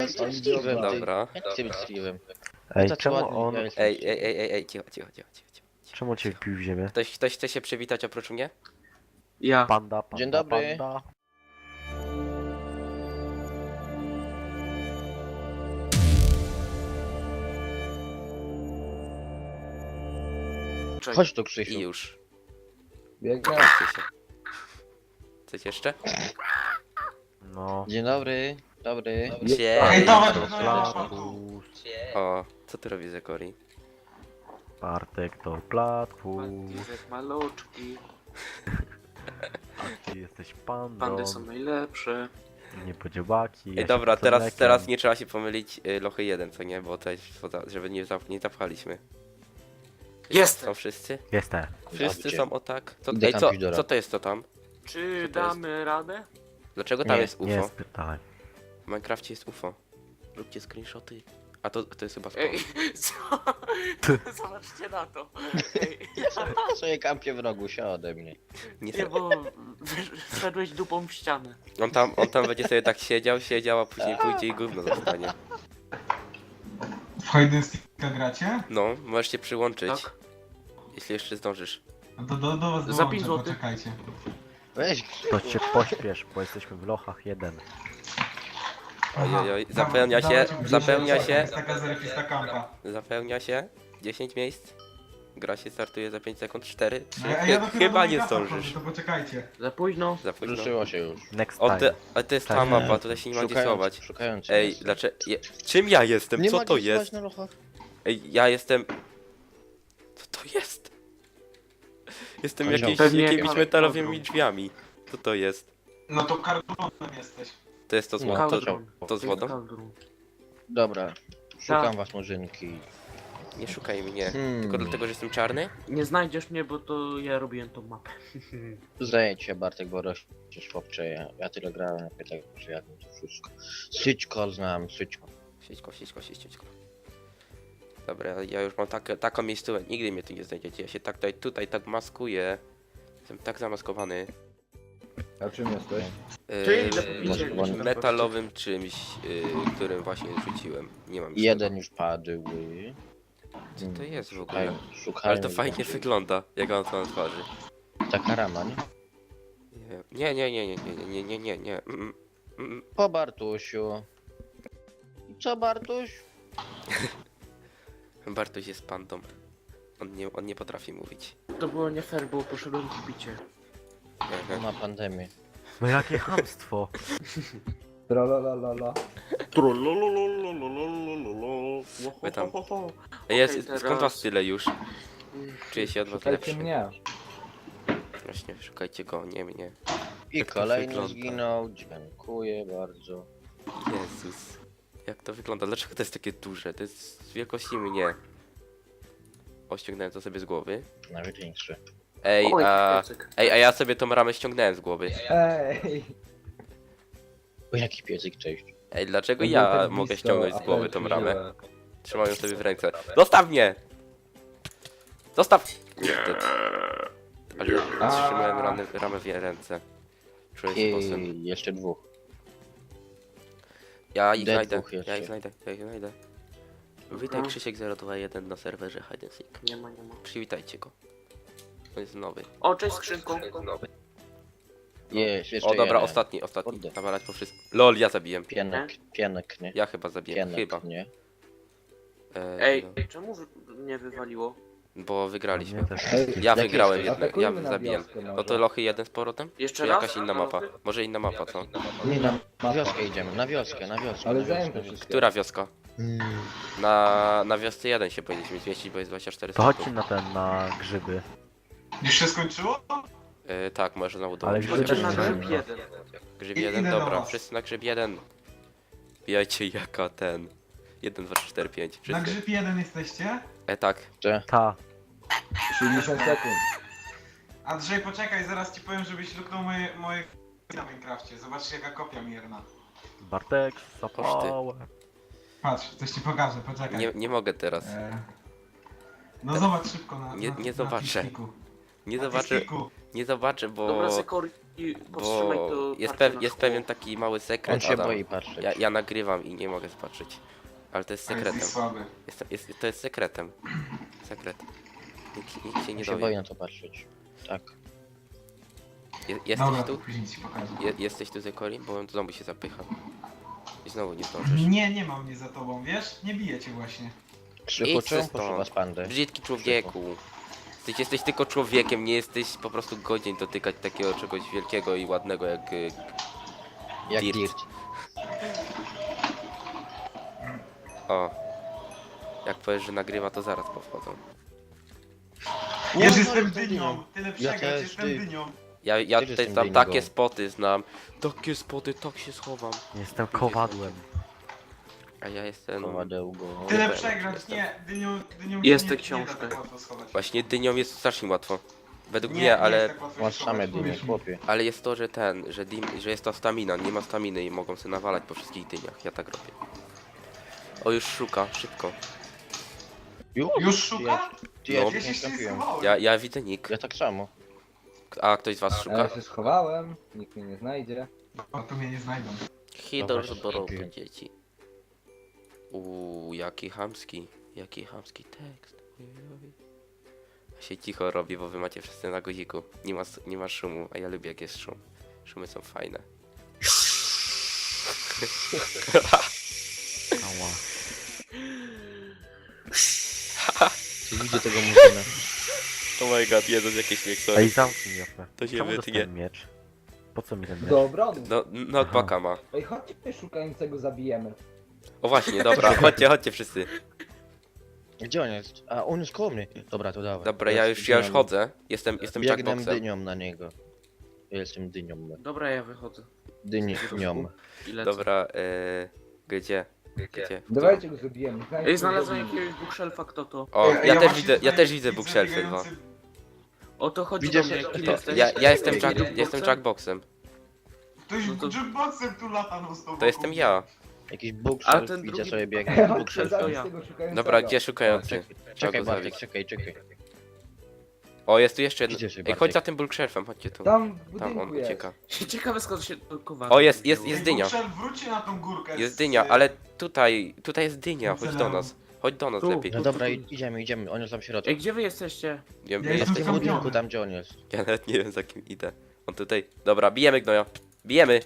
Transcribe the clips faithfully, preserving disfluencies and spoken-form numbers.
Steve'em, ty. Dobra. Jak chcę być Steve'em? Ej, Tacy czemu ładni, on... ja jestem Ej, Steve. ej, ej, ej, ej, cicho, cicho, cicho, cicho. cicho. Czemu cię wbił w ziemię? Ktoś, ktoś chce się przywitać oprócz mnie? Ja. Panda, panda, Dzień dobry. panda. Cześć. Chodź tu, I Krzysiu. już. Biegnę. Chodźcie się. Coś jeszcze? No. Dzień dobry. Dobry. Cześć. Hejtować To do Platfus. O, co ty robisz, Zekori? Bartek to Platfus. Patryk maluczki. A ty jesteś pandą. Pandy są najlepsze. Nie podziobaki. Ej, dobra, teraz, teraz nie trzeba się pomylić y, lochy jeden, co nie? Bo to jest, poza- żeby nie, zap, nie zapchaliśmy. Jestem. Są wszyscy? Jestem. Wszyscy Dobrze. są o tak? Co, Idę ej, tam co, pić do co to jest to tam? Czy Co to jest? damy radę? Dlaczego tam Nie, jest U F Nie O? spytałem. W Minecrafcie jest U F O. Róbcie screenshoty. A to, to jest chyba spawn. Ej, co? Zobaczcie na to. Ej, Ja sobie kampię w rogu, się ode mnie. Nie, nie, bo wysz- wszedłeś dupą w ścianę. on, tam, on tam będzie sobie tak siedział, siedział, a później pójdzie i gówno zostanie. W Hide and Seeka gracie? No, możesz się przyłączyć, Tak? jeśli jeszcze zdążysz. No to do, do was Za dołączę, pięć złotych. poczekajcie. Weź. To cię pośpiesz, bo jesteśmy w lochach jeden. Oj, oj, Dawa- zapełnia się, dawajcie mi zapełnia pięć się. złotych, Jest taka zerfista kampa. Zapełnia się. dziesięć miejsc. Gra się startuje za pięć sekund. cztery, trzy. No, ja, ja dopiero Chyba do nie Minecrafta zdążysz. wchodzę, To poczekajcie. Za późno. Za późno. Ruszyło się już. Next O, time. te, ale to jest ta Tak. mapa, tutaj się nie ma gdzie schować. szukając. Ej, dlaczego? Je, czym ja jestem? Nie Co ma to gdzie schować jest? na lochach? Ej, ja jestem... Co to jest? Jestem Kozioł. jakieś, Pewnie jakimiś jak- metalowymi drzwiami. Co to jest? No to karbonem jesteś. To jest to z No, wodą? To, Kaldrun. to z wodą? Kaldrun. Dobra. Szukam Tak. was, murzynki. Nie szukaj mnie. Hmm. Tylko dlatego, że jestem czarny? Nie znajdziesz mnie, bo to ja robiłem tą mapę. Zejdź się, Bartek, bo rościsz chłopcze. Ja, ja tyle grałem, ja tak, że ja wiem to wszystko. Syćko znam, syćko. Siedźko, siedźko, siedźko. Dobra, ja już mam tak, taką miejscówkę, nigdy mnie tu nie znajdziecie. Ja się tak tutaj, tutaj tak maskuję. Jestem tak zamaskowany. A czym jesteś? Czyli za Yy, popicie jakbyś na metalowym czymś, yy, którym właśnie rzuciłem. Nie mam już Jeden już padł. Co to jest w ogóle? Szukają, szukają. Ale to fajnie wygląda, jak on to na twarzy. Taka rama, nie? Nie, nie, nie, nie, nie, nie, nie, nie, nie, nie. Mm, mm, Po Bartusiu. Co, Bartuś? mm. Bartuś jest pandą. On nie, on nie potrafi mówić. To było nie fair, bo poszedłem w picie. On ma pandemię. No jakie chamstwo. Tra la la la la. Wy tam. Okej, Jest, skąd teraz- was tyle już? Czuję się od was Szukajcie lepszy. mnie. Właśnie, szukajcie go, nie mnie. I Jak to kolejny wygląda? zginął. Dziękuję bardzo. Jezus. Jak to wygląda? Dlaczego to jest takie duże? To jest z wielkości mnie. O, ściągnąłem to sobie z głowy. Nawet większy. Ej, Oj, a... piecyk. Ej, a ja sobie tą ramę ściągnąłem z głowy. Ej! O, jaki piecyk, cześć. Ej, dlaczego Był ja tak mogę blisko, ściągnąć a z głowy ten tą ramę? źle. Trzymam ją sobie w ręce. Zostaw mnie! Zostaw! Kurde. Ale A. trzymałem ramę, ramę w ręce. Czuję się posem. I jeszcze dwóch. Ja ich Dead znajdę, dwóch jeszcze. ja ich znajdę, ja ich znajdę. Witaj Krzysiek zero dwa jeden na serwerze Hide and Seek. Nie ma, nie ma. Przywitajcie go. On jest nowy. O, cześć skrzynką. Jest, jeszcze O dobra, jeden. ostatni, ostatni. Kurde. Nawalać po wszystkim. LOL, ja zabiłem. Pienek, pienek, nie? Ja chyba zabiłem, Pienek, chyba. nie? E, Ej, no, czemu wy- mnie wywaliło? bo wygraliśmy. Mnie też. Ej, Ja Jakie wygrałem jesteś? jednak, ja Atakujmy na zabiłem. wioskę może. No to lochy jeden z powrotem? Jeszcze Czy raz? jakaś inna mapa? Może inna mapa, co? Nie, na, na wioskę idziemy, na wioskę, na wioskę. Ale na wioskę. zajęte wszystkie. Która wioska? Mm. Na, na wiosce jeden się powinniśmy zmieścić, bo jest dwadzieścia cztery To chodźcie sekund. na ten, na grzyby. Już się skończyło? E, tak, możesz znowu Ale dołączyć. grzyby Chodźcie na nie grzyb wiem. jeden. Grzyb I- jeden, idę do dobra, was. wszyscy na grzyb jeden. Bijajcie jaka ten. jeden, dwa, trzy, cztery, pięć. Na Wszyscy. grzyb jeden jesteście? E, tak. Że? Ta. siedemdziesiąt sekund. Andrzej, poczekaj, zaraz ci powiem, żebyś luknął moje, moje na Minecrafcie. Zobaczcie jaka kopia mierna. Bartek, zapałę. Patrz, coś ci pokażę, poczekaj. Nie, nie mogę teraz. E, No zobacz szybko na Nie- na, nie na zobaczę. Teamspeaku. Nie Na zobaczę. Teamspeaku. Nie zobaczę, bo... Dobra, Zekor i powstrzymaj bo to jest, parcie pew, na jest szkło. pewien taki mały On sekret, się Adam. boi patrzeć. Ja, ja nagrywam i nie mogę zobaczyć. Ale to jest A jesteś sekretem. słaby. Jest, jest, to jest sekretem. Sekret. Nikt, nikt się On nie się boi dowie. na to patrzeć. Tak. Je, jesteś Dobra, tu? później ci pokażę. Je, jesteś tu, Zekori? Bo on znowu się zapycha. I znowu nie zdążysz. Nie, nie ma mnie za tobą, wiesz? Nie biję cię właśnie. Krzyku, Idź czemu stąd. poszła z pandy? Brzydki człowieku. Jesteś, jesteś tylko człowiekiem, nie jesteś po prostu godzien dotykać takiego czegoś wielkiego i ładnego jak... y, Jak Dirt. dirt. O. Jak powiesz, że nagrywa, to zaraz powchodzą. Wiesz, no, jestem jestem dynią. dynią. Tyle Ja przegrać, też, jestem ty. dynią. Ja, ja Też tutaj jestem znam dynigą. takie spoty, znam. Takie spoty, tak się schowam. Jestem kowadłem. A ja jestem... Kowadełgo. Tyle wiem, przegrać, jestem. nie. Dynią, dynią Jest się tę nie, książkę. nie da tak łatwo schować. Właśnie dynią jest strasznie łatwo. Według Nie, mnie, nie ale... jest tak łatwo Masz się same schować, dynie, uwierz mi. chłopie. Ale jest to, że ten, że, dim, że jest to stamina, nie ma staminy i mogą sobie nawalać po wszystkich dyniach. Ja tak robię. O, już szuka, szybko. Już? Już szuka? Ty, No. ja Ja się się nie jeszcze nie trafiłem. schowałem. Ja, ja widzę nick. Ja tak samo. A ktoś z was A ja szuka? się schowałem, nikt mnie nie znajdzie. O, tu mnie nie znajdą. Hidor Dobra, zborowy dziękuję. dzieci. Uuu, jaki chamski, jaki chamski tekst. Ojej. Ja się cicho robi, bo wy macie wszyscy na guziku. Nie ma, s- nie ma szumu, a ja lubię jak jest szum. Szumy są fajne. Ała. Czy widzę tego murzyna? Oh my god, Jezus, jakie śmiech, Ej, zamknij Jopę. To się Czemu wytnie. dostałem miecz? Po co mi ten miecz? Do obrony. No, knockbacka ma. Ej, chodźcie szukającego zabijemy. O właśnie, dobra, chodźcie, chodźcie wszyscy. Gdzie on jest? A, on jest koło mnie. Dobra, to dawaj. Dobra, ja już, ja już chodzę. Jestem, jestem Biegnę jackboxem. dynią na niego. Ja jestem dynią. Dobra, ja wychodzę. Dynią. I lecę. Dobra, e, gdzie? Gdzie? Dawajcie go zabijemy. Ej, znalazłem jakiegoś bookshelfa, kto to? O, Ej, ja też właśnie widzę, ja tutaj też widzę widzę bookshelfy dwa. biegający- O to chodzi Widzisz, do mnie, że- kim to- jesteś? Ja, ja jestem, Ej, jack, jukeboxem? jestem jackboxem. Ktoś No to- jukeboxem tu lata no z tobą. To jestem ja. Jakiś A bookshelf, ten widzę drugi- sobie biegnie. Chodźcie Bookshelf. to zabić ja. tego szukającego. Dobra, gdzie szukający? Czekaj, Trzeba czekaj go Bartek, zabić. czekaj, czekaj. O, jest tu jeszcze jeden. Widzę się, Ej, chodź Bartek. za tym bulkshelfem, chodźcie tu. Tam w Tam on budynku jest. ucieka. Ciekawe skąd się to kowadło O, jest- jest- wzięło. jest dynia. Bookshelf, wróćcie na tą górkę. Jest z- dynia, ale tutaj, tutaj jest dynia, chodź do nas. Chodź do nas Tu. lepiej. No dobra, i- idziemy, idziemy. On jest tam w środku. Ej, gdzie wy jesteście? Ja, Ja W jestem tym kampiony. budynku, tam gdzie on jest. ja nawet nie wiem za kim idę. On tutaj. Dobra, bijemy gnoja. Bijemy!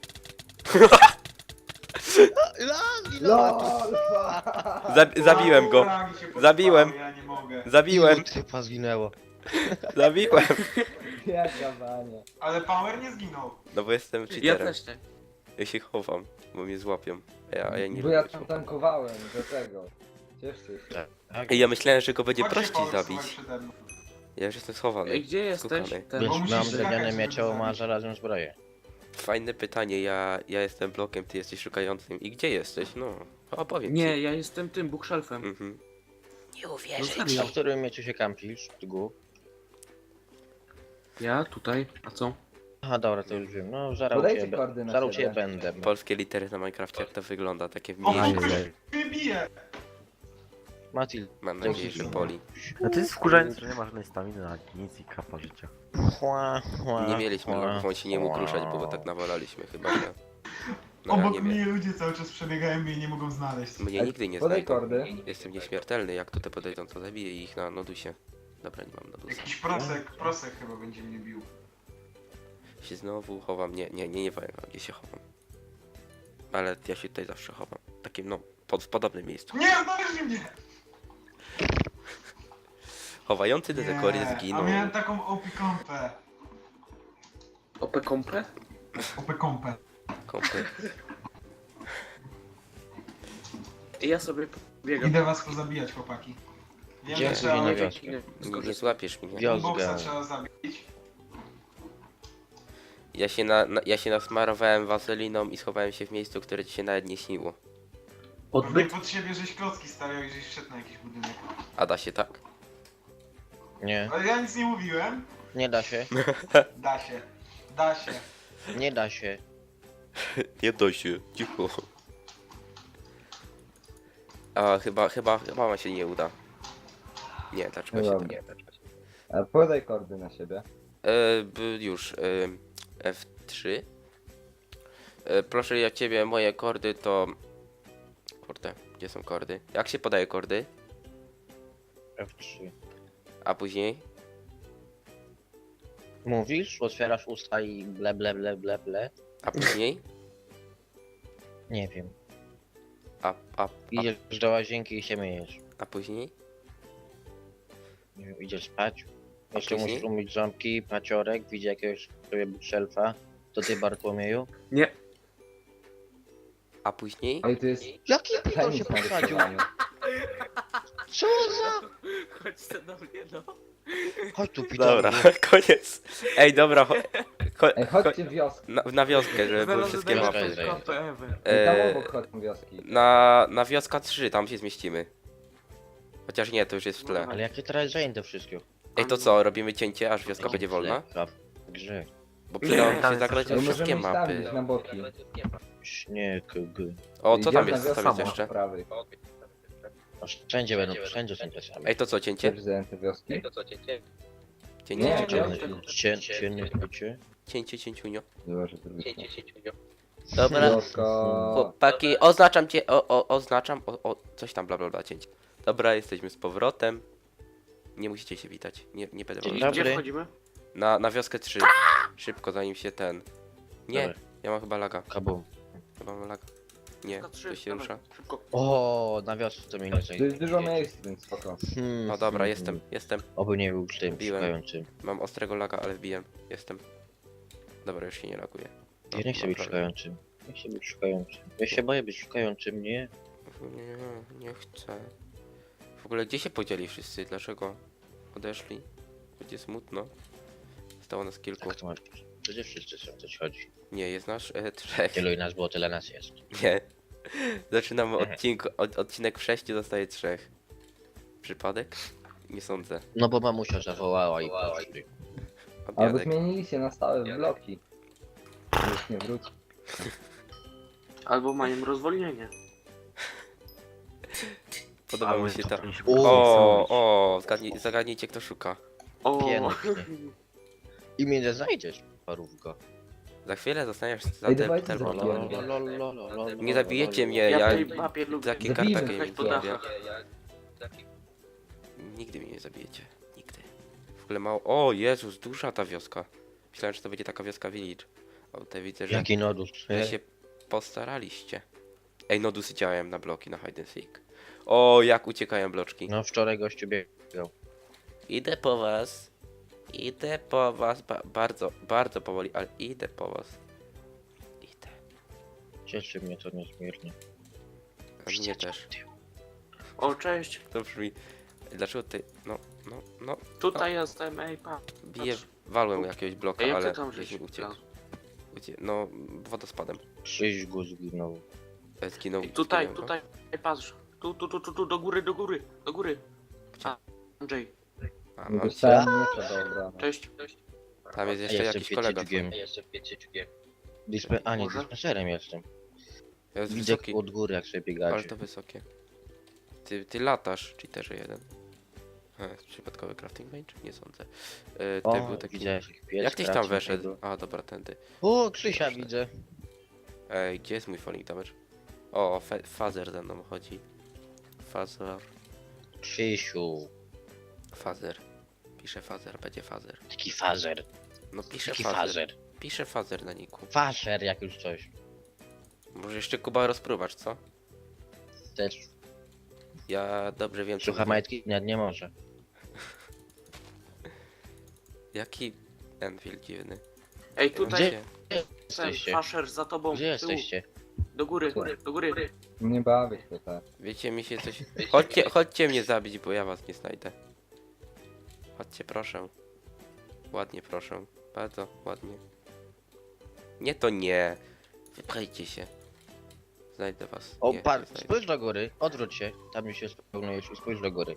LOL! Zab zabiłem go! Fragi się Zabiłem. podstały, Ja nie mogę. Zabiłem! Ilu typa zginęło. Zabiłem! Jaka bania. Ale Power nie zginął. No bo jestem Ja cheaterem. też nie. Ja się chowam, bo mnie złapią. A ja, a ja nie Bo ja lubię tam się. tankowałem do tego. Cieszcie się. Tak. Ej, ja myślałem, że go będzie Chodźcie, prościej Power, zabić. słuchaj przede mną. Ja już jestem schowany. Ej, gdzie jesteś? Skukany. Ten... Więc Bo musisz mam skakać, drewniane żeby miecze, go ma zabić. żelazną zbroję. Fajne pytanie, ja, ja jestem blokiem, ty jesteś szukającym. I gdzie jesteś? No, opowiem Nie, ci. ja jestem tym bookshelfem. Mhm. Nie No uwierzysz. A serio. w którym mieczu się kampisz? Tgu? Ja tutaj, a co? Aha, dobra, to już wiem. No, zarał Podajcie cię, be- koordynaty, zarał cię dobra. będę. Polskie litery na Minecrafcie, jak to wygląda, takie O, mniejsze. ktoś mnie bije. Matil, Mam nadzieję, że boli. No to jest wkurzające, że nie ma żadnej staminy na nic i kapa życia. chła, chła, Nie mieliśmy chła, logów, on się nie mógł chła. ruszać, bo go tak nawalaliśmy chyba, że... No ja Obok nie mnie wiem. ludzie cały czas przebiegają mnie i nie mogą znaleźć. Mnie nigdy nie Podaj znajdą. kordy. Jestem nieśmiertelny, jak tutaj podejdą, to zabiję ich na nodusie. Dobra, nie mam nodusa. Jakiś prosek, prosek chyba będzie mnie bił. Się znowu chowam, nie, nie, nie, nie powiem wam, gdzie się chowam. Ale ja się tutaj zawsze chowam. Takim, no, pod, w podobnym miejscu. Nie, znaleźli mnie! Chowający do dekory Nie, zginął. A miałem taką O P kompę. O P kompre? O P kompę. Kompy. I ja sobie biegam. Idę was pozabijać, chłopaki. Wiem, Gdzie? że trzeba... Gdzie? Dzięki, nie. Nie, nie złapiesz mnie. Wiozgę. Boxa trzeba zabić. Ja się, na, na, ja się nasmarowałem waseliną i schowałem się w miejscu, które ci się nawet nie śniło. Pewnie pod siebie żeś klocki stawiał i żeś wszedł na jakiś budynek. A da się tak? Nie, Ale ja nic nie mówiłem. nie da się. Da się. Da się. Nie da się. Nie da się, cicho. A chyba, chyba, chyba ma się nie uda. Nie, dlaczego się Dobra. nie? A podaj kordy na siebie. E, b, już. E, F trzy. E, proszę ja ciebie, moje kordy to... Kurde, gdzie są kordy? Jak się podaje kordy? F trzy. A później? Mówisz, otwierasz usta i ble ble ble ble ble. A później? Nie wiem. A, a, a, Idziesz do łazienki i się myjesz. a później? Nie wiem, idziesz spać. Jeszcze później? musisz umyć ząbki, paciorek, widzi jakiegoś sobie bookshelfa. To ty, Bartłomieju? Nie. A później? Ale to jest Jaki pidol penis się na posadził? rysowaniu. Co za... Chodźcie do mnie, no. Chodź tu, pidol. Dobra, koniec. Ej, dobra, cho, cho, Ej, chodźcie w wioskę. na, na wioskę, żeby były wszystkie Zaraz mapy. zajdę. Ej, tam E, obok chodźą wioski. na, na wioska trzy, tam się zmieścimy. Chociaż nie, to już jest w tle. Ale jakie teraz zajęte wszystko? Ej, to co, robimy cięcie, aż wioska będzie wolna? Chleb, grze. Bo przydałoby tam się jest zagrać Ej, we wszystkie możemy mapy. stawić na boki. Śnieg, g. O, co tam Idziemy jest, na co tam jest wiosnę jeszcze? od prawej. No, wszędzie będą, wszędzie są te same. Ej, to co, cięcie? Też zajęte wioski? Cięcie, Nie, cięcie, nie. Cię, cię, cię. cięcie, cięciunio. Zobacz, że to wyszło. Dobra, Wioska. chłopaki, oznaczam cię, o, o, oznaczam, o, o, coś tam, bla, bla, bla, cięcie. Dobra, jesteśmy z powrotem. Nie musicie się witać, nie, nie będę Dzień wam... dobry. Gdzie wchodzimy? Na, na wioskę trzy. Szybko, zanim się ten... Nie, Dobra. ja mam chyba laga, Kabum. chyba mam laga. Nie, Na trzy, to się dawaj, rusza. Szybko. O, na wiosce to mnie nie To zajdzie. jest dużo miejsc, więc spoko. Hmm, O dobra, hmm, jestem, jestem. Oby nie był tym Biłem. szukającym. Mam ostrego laga, ale wbiłem. Jestem. Dobra, już się nie laguje. No, Ja nie chcę być naprawdę. szukającym. Nie chcę być szukającym. Ja się boję być szukającym, nie? Nie, nie chcę. W ogóle gdzie się podzieli wszyscy? Dlaczego odeszli? Będzie smutno. Zostało nas kilku. Tak to masz. Przecież wszyscy są, coś chodzi. Nie, jest nasz e, trzech. Tylu i nas było, tyle nas jest. Nie. Zaczynamy odcink, od, odcinek w sześciu, zostaje trzech. Przypadek? Nie sądzę. No bo mamusia zawołała i poszli. Albo Obiadek. zmienili się na stałe w bloki. Już nie wróci. Albo mają rozwolnienie. Podoba mi się ta... O, O, o, zgadnij, zagadnijcie kto szuka. O, Pięknie. I mnie nie znajdziesz, parówko. Za chwilę zostaniesz za Ej, del- dawajcie telefon. zabijamy. Nie zabijecie mnie, ja ja w tej mapie lubię takie Zabijmy karta kogoś gaming po lubię. dachach. Nigdy mnie nie zabijecie. Nigdy. W ogóle mało... O Jezus, duża ta wioska. Myślałem, że to będzie taka wioska village. A tutaj widzę, że, Jaki nodus. że się postaraliście. Ej, nodusy działają na bloki, na hide and seek. O, jak uciekają bloczki. No wczoraj gościu biegał. Idę po was. Idę po was. Ba bardzo, bardzo powoli, ale idę po was. Idę. Cieszy mnie to niezmiernie. A mnie też. O, cześć. To brzmi... Dlaczego ty... No, no, no. Tutaj jestem, ej, pa. Bije... Walłem jakiegoś bloka, Ej, jak ale ty tam gdzieś żeś mi uciekł. wlazł? Ucie... No, wodospadem. Krzyś go zginął. E, Zginął. Ej, tutaj, zginął, no. tutaj. Ej, patrz. Tu, tu, tu, tu, tu, do góry, do góry, do góry. A, Andrzej, A, Nie no, dostałem miecza do obrony. cześć. tam jest jeszcze jakiś kolega. twój. Dispe... A nie, Może? dispenserem jestem. Jest Widzę wysoki, od góry jak sobie ale biegacie. to wysokie. Ty, ty latasz, cheaterze jeden. E, przypadkowy crafting range? Nie sądzę. E, ty O, był taki... widzę jakiś pies. Jak tyś tam kracie weszedł? tego. A, dobra, tędy. O, Krzysia Proszę. widzę. Ej, gdzie jest mój falling damage? O, fe- Fazer ze mną chodzi. Fazer. Krzysiu. Fazer. Pisze Fazer, będzie Fazer. Taki fazer. No pisze Taki Fazer. fazer. Pisze Fazer na niku. Fazer jak już coś. Może jeszcze Kuba rozpróbacz, co? Też. Ja dobrze wiem, co Słucha mówię. majtki? Nie, nie może. Jaki Enfield dziwny. Ej, tutaj Gdzie? ten jesteście? faszer za tobą. Gdzie z tyłu. jesteście? Do góry, do góry. Nie bawię się tak. Wiecie, mi się coś... Chodźcie, chodźcie mnie zabić, bo ja was nie znajdę. Chodźcie, proszę. Ładnie, proszę. Bardzo ładnie. Nie, to nie. Wypchajcie się. Znajdę was. O, nie, par, nie znajdę. spójrz do góry. Odwróć się. Tam już się spełniujesz i spójrz do góry.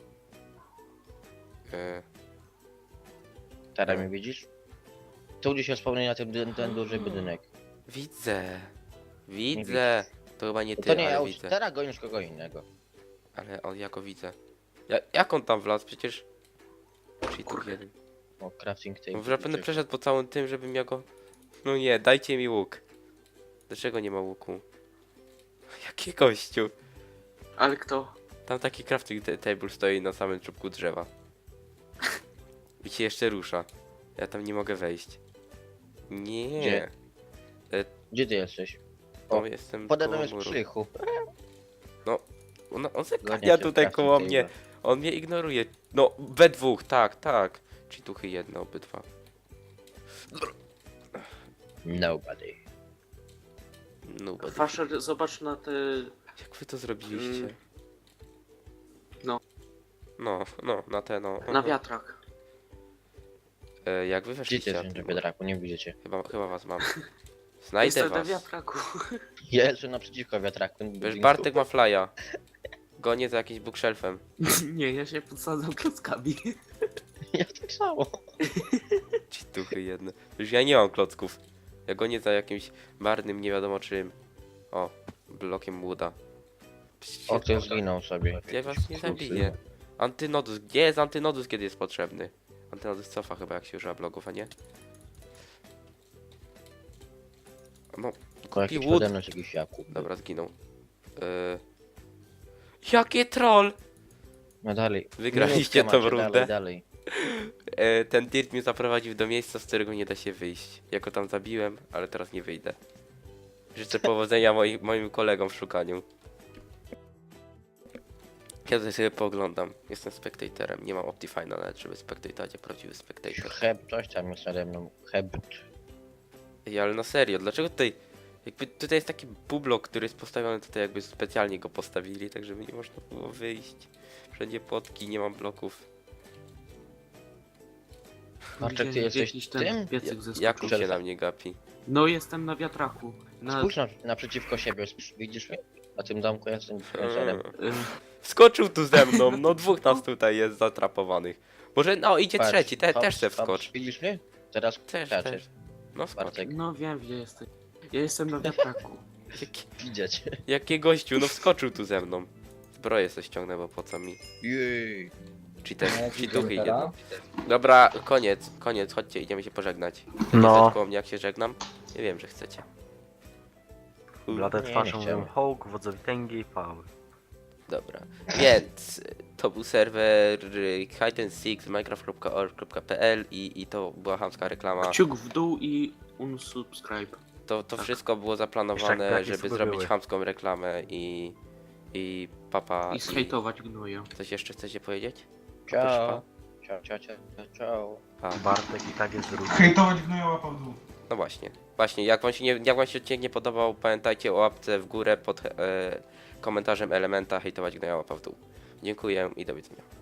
E, Teraz mnie widzisz? Tu gdzie się spełnia ten, ten, ten duży budynek. widzę. Widzę. To chyba nie To ty, nie ja ale już. widzę. Teraz gonisz kogo innego. Ale on jako widzę. Ja, jak on tam wlazł? Przecież... Cheatów jeden. O, crafting table. Może będę przeszedł po całym tym, żebym miał go... No nie, dajcie mi łuk. Dlaczego nie ma łuku? Jaki gościu? Ale kto? Tam taki crafting ta- table stoi na samym czubku drzewa. I się jeszcze rusza. Ja tam nie mogę wejść. Nie. Gdzie? Gdzie ty jesteś? O, O, jestem Pode koło mną jest muru. Krzychu. On, on Zgodnie zakania się tutaj crafting koło table. mnie. On mnie ignoruje. No, we dwóch, tak, tak. Czyli tuchy jedno, obydwa. Nobody. No, bo... Faszer, zobacz na te... Jak wy to zrobiliście? Mm. No. No, no, na te no. na wiatrach. E, jak wy Gdzie ty weszliście? jesteś na biedraku? Nie widzę cię. Chyba, chyba was mam. Znajdę Jestem na was. wiatraku. Ja jestem naprzeciwko wiatraku. Wiesz, Bartek ma flya. Gonię za jakimś bookshelfem. Nie, ja się podsadzam klockami. Ja tak samo. Ci tuchy jedne. Już ja nie mam klocków. Ja gonię za jakimś marnym, nie wiadomo czym. O, blokiem łuda. O, ktoś zginął sobie. Ja was nie zabiję. Antynodus. Gdzie jest antynodus, kiedy jest potrzebny? Antynodus cofa chyba, jak się używa blogów, a nie? No, Tylko jakiś Kupi łód. pode mną jest jakiś Jakub. dobra, zginął. Yy... Jakie troll! No dalej. Wygraliście Minutkę tą macie, rundę. Dalej, dalej. E, ten dirt mnie zaprowadził do miejsca, z którego nie da się wyjść. Ja go tam zabiłem, ale teraz nie wyjdę. Życzę powodzenia moi, moim kolegom w szukaniu. Ja tutaj sobie pooglądam. Jestem spectatorem. Nie mam Optifine'a nawet, żeby spectatować, a prawdziwy spectator. Heb, coś tam jest nade mną. Heb. Ej, ale na serio, dlaczego tutaj... Jakby tutaj jest taki bublok, który jest postawiony tutaj, jakby specjalnie go postawili, tak żeby nie można było wyjść. Wszędzie płotki, nie mam bloków. Marczek, ty jesteś Jakiś ten tym? piecyk ze Jak skóry. się na mnie gapi? No jestem na wiatraku. Na... Spójrz na, naprzeciwko siebie, widzisz mnie? Na tym domku jestem influencerem. Mm. y, Wskoczył tu ze mną, no dwóch nas tutaj jest zatrapowanych. Może, no idzie Patrz, trzeci, te, hops, też se hops, wskocz. Widzisz mnie? Teraz Też, skaczesz. też. No skocz. Bartek, No wiem, gdzie jesteś. Ja jestem na wiatraku. Jaki, widzę cię. jakie gościu, no wskoczył tu ze mną. Zbroję se ściągnę, bo po co mi? Jej. Czy te, Jak czy idziemy duchy teraz? jedno. Dobra, koniec, koniec, chodźcie, idziemy się pożegnać. No. Chcecie koło mnie, jak się żegnam? Nie wiem, że chcecie. U, Blade nie, twarzą nie mówią chciałem. hołk, wodzowi tęgi i pały. Dobra, więc to był serwer hide and seek z minecraft kropka org kropka p l i, i to była chamska reklama. Kciuk w dół i unsubscribe. To, to Tak. wszystko było Jeszcze zaplanowane, jak braki żeby sobie zrobić były. chamską reklamę i... i papa... I zhejtować gnoja. Coś jeszcze chcecie powiedzieć? Ciao. Ciao, ciao, ciao, ciao. Pa. Bartek i tak jest drugi. Hejtować gnoja łapał w dół. No właśnie. Właśnie, jak wam się, nie, jak wam się odcinek nie podobał, pamiętajcie o łapce w górę pod e, komentarzem Elementa, hejtować gnoja łapa w dół. Dziękuję i do widzenia.